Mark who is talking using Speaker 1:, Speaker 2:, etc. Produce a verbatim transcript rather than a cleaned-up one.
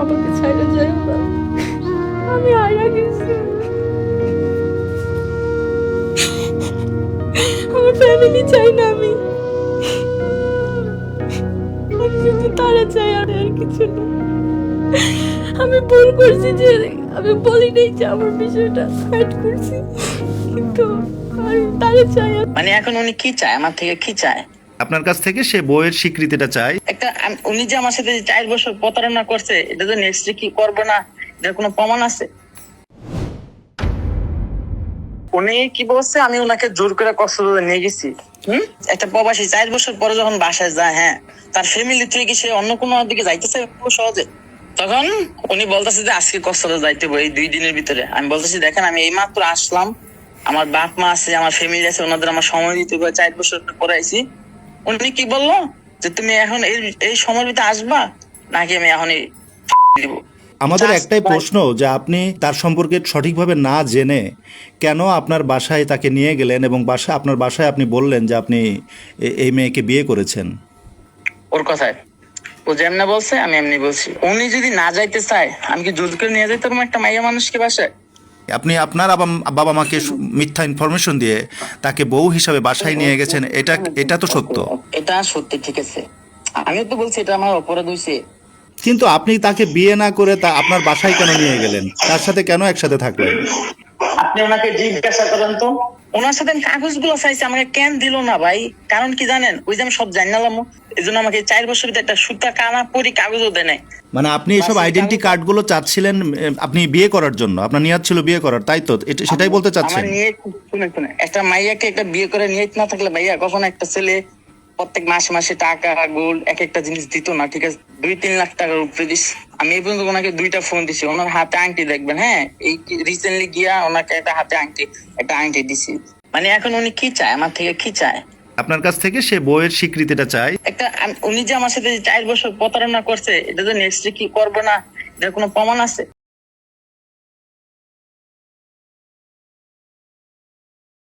Speaker 1: আমাকে ছাইড়া যায় না, আমি হারা গেছি, আমার ফ্যামিলি চাই না, আমি আমি শুধু তারা চাই, আর আর কিছু না। আমি ভুল করছি যে আমি বলি নাই যে আমার বিষয়টা হাইড করছি, কিন্তু আমি তারা চাই।
Speaker 2: মানে এখন উনি কি চায় আমার থেকে, কি চায়
Speaker 3: আপনার কাছ থেকে? সে বউয়ের স্বীকৃতিটা চায়।
Speaker 2: একটা আম- উনি যে আমার সাথে যে চার বছর প্রতারণা করছে, এটা তো নেক্সট কি করবে না, এটার কোনো প্রমাণ আছে? উনি কি বলছে, আমি ওনাকে জোর করে কক্সবাজার নিয়ে গেছি। হম একটা প্রবাসী চার বছর পরে যখন বাসায় যায়, হ্যাঁ, তার ফ্যামিলি থেকে কি সে অন্য কোনো দিকে যাইতেছে খুব সহজে? তখন উনি বলতেছে যে আজকে কক্সবাজার যাইতে হবে এই দুই দিনের ভিতরে। আমি বলতেছি দেখেন, আমি এই মাত্র আসলাম, আমার বাপ মা আছে, আমার ফ্যামিলি আছে, ওনাদের আমার সময় দিতে হবে, চার বছর পরে আইছি। উনি কি বললো যে তুমি এখন এই এই সময়ের ভিতরে আসবা, নাকি আমি এখনই দিব?
Speaker 3: আমাদের একটাই প্রশ্ন, যে আপনি তার সম্পর্কে সঠিকভাবে না জেনে কেন আপনার বাসায় তাকে নিয়ে গেলেন, এবং বাসা আপনার বাসায় আপনি বললেন যে আপনি এ- এই মেয়েকে বিয়ে করেছেন।
Speaker 2: ওর কথায় ও যেমনে বলছে আমি এমনি বলছি। উনি যদি না যাইতে চায়, আমি কি জোর করে নিয়ে যাইতে পারবো একটা মাইয়া মানুষকে বাসায়?
Speaker 3: আপনি আপনার আবা- বাবা মাকে সু- মিথ্যা ইনফরমেশন দিয়ে তাকে বউ হিসাবে বাসায় নিয়ে গেছেন, এটা এটা তো সত্য।
Speaker 2: এটা সত্যি, ঠিক আছে, আমি তো বলছি এটা আমার অপরাধ হয়েছে।
Speaker 3: কিন্তু আপনি তাকে বিয়ে না করে তা আপনার বাসায় কেন নিয়ে গেলেন? তার সাথে কেন একসাথে থাকলেন?
Speaker 2: আপনি ওনাকে জিজ্ঞাসা করেন তো, ওনার সাথে আমি কাগজগুলো চাইছি, আমাকে কেন দিল না ভাই? কারণ কি জানেন, ওই যে আমি সব জানালাম, এই জন্য আমাকে চার বছর ভিতরে একটা সুতা কানা পরি কাগজও দেয় নাই।
Speaker 3: মানে আপনি এসব আইডেন্টি কার্ডগুলো চাচ্ছিলেন এ, আপনি বিয়ে করার জন্য, আপনার নিয়ত ছিল বিয়ে করার, তাই তো? এটা সেটাই বলতে চাচ্ছেন?
Speaker 2: আমার নিয়ে শুনে শুনে একটা মাইয়াকে একটা বিয়ে করে নিয়ে না থাকলে ভাইয়া, কখনো একটা ছেলে প্রত্যেক মাসে মাসে টাকা গোল্ড এক একটা জিনিস দিত না, ঠিক আছে? দুই তিন লাখ টাকার উপরে দিস। আমি এই পর্যন্ত ওনাকে দুইটা ফোন দিছি, ওনার হাতে আংটি দেখবেন, হ্যাঁ, এই রিসেন্টলি গিয়া ওনাকে একটা হাতে আংটি একটা আংটি দিছি। মানে এখন উনি কি চায় আমার থেকে, কি চায়?
Speaker 3: আপনার কাছ থেকে সে বউয়ের স্বীকৃতিটা চায়।
Speaker 2: একটা আম- উনি যে আমার সাথে যে চার বছর প্রতারণা করছে, এটা তো নেক্সট কি করবে না, এটার কোনো প্রমাণ আছে?